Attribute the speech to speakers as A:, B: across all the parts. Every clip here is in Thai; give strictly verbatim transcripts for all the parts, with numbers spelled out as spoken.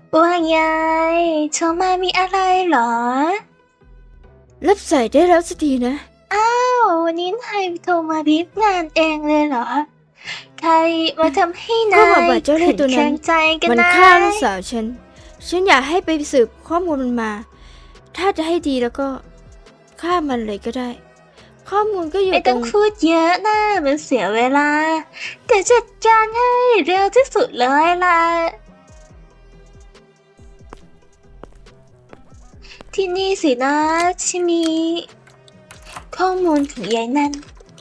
A: ว่าไงโทรมามีอะไรเหรอ
B: รับสายได้แล้วสักทีนะ
A: อ้าววันนี้นายโทรมาบีบงานเองเลยเหรอใครมาทำให้
B: ก็
A: นา
B: บา
A: ย
B: บาดเจ้าเล่
A: ขื
B: ห์
A: น
B: ตัว
A: แคล
B: นั้น
A: งใจกัน
B: มัน
A: นะ
B: ฆ่าลูกสาวฉัน ฉันอยากให้ไปสืบข้อมูลมันมา ถ้าจะให้ดีแล้วก็ฆ่ามันเลยก็ได้ ข้อมูลก็อยู่
A: ไม่
B: ต
A: ต้
B: ร
A: อง
B: ง
A: พูดเยอะนะมันเสียเวลาแต่จัดการให้เร็วที่สุดเลยล่ะที่นี่สินะที่มีข้อมูลของยายนั่น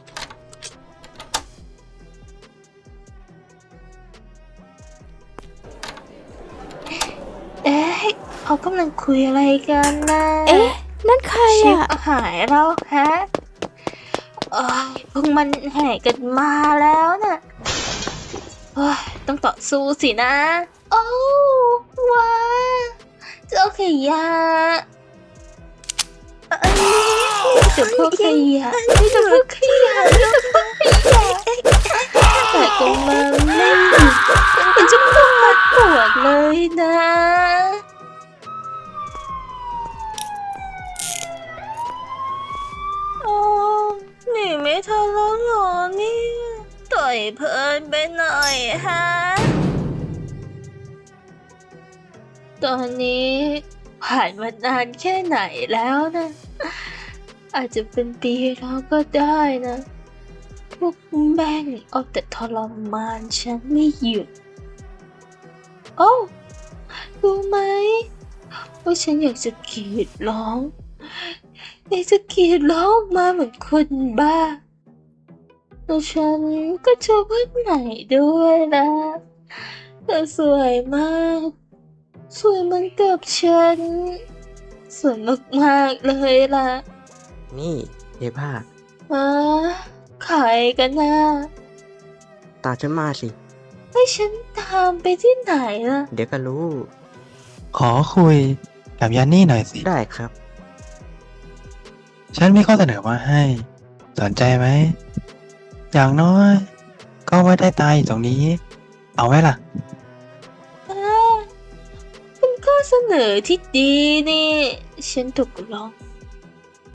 A: เอ๊ะเขากำลังคุยอะไรกันนะ
B: เอ๊ะ นั่นใคร
A: ชิป
B: อ่ะ
A: หายแล้วฮะโอ้ยพวกมันแห่กันมาแล้วน่ะโอ้ยต้องต่อสู้สินะ โอ้ว้าเจ้าขยะเอ้ยเจ้าพวกขยะเจ้าพวกขยะเจ้าพวกขยะแต่ก็มาไม่หยุดเป็นเจ้าพวกมัดปวดเลยนะโอ้หนีไม่ทันแล้วเหรอเนี่ยต่อยเพลินไปหน่อยฮะ ตอนนี้ผ่านมานานแค่ไหนแล้วนะ อาจจะเป็นปีแล้วก็ได้นะ พวกแม่งเอาแต่ทรมานฉันไม่หยุด โอ้รู้ไหมว่าฉันอยากจะกรีดร้องอยากจะกรีดร้องออกมาเหมือนคนบ้าแล้วฉันก็เจอเพื่อนใหม่ด้วยนะเธอสวยมาก สวยเหมือนกับฉัน สวยมากๆเลยล่ะ
C: นี่เอผ้า
A: อ่าใครกันนะ
C: ตามฉันมาสิ
A: ให้ฉันตามไปที่ไหนล่ะ
C: เดี๋ยวก็รู้
D: ขอคุยกับยานี่หน่อยสิ
C: ได้ครับ
D: ฉันมีข้อเสนอมาให้ สนใจไหม อย่างน้อย ก็ไว้ได้ตายอยู่ตรงนี้ เอาไว้ล่ะ
A: อ่าเป็นข้อเสนอที่ดีนี่ ฉันตกลง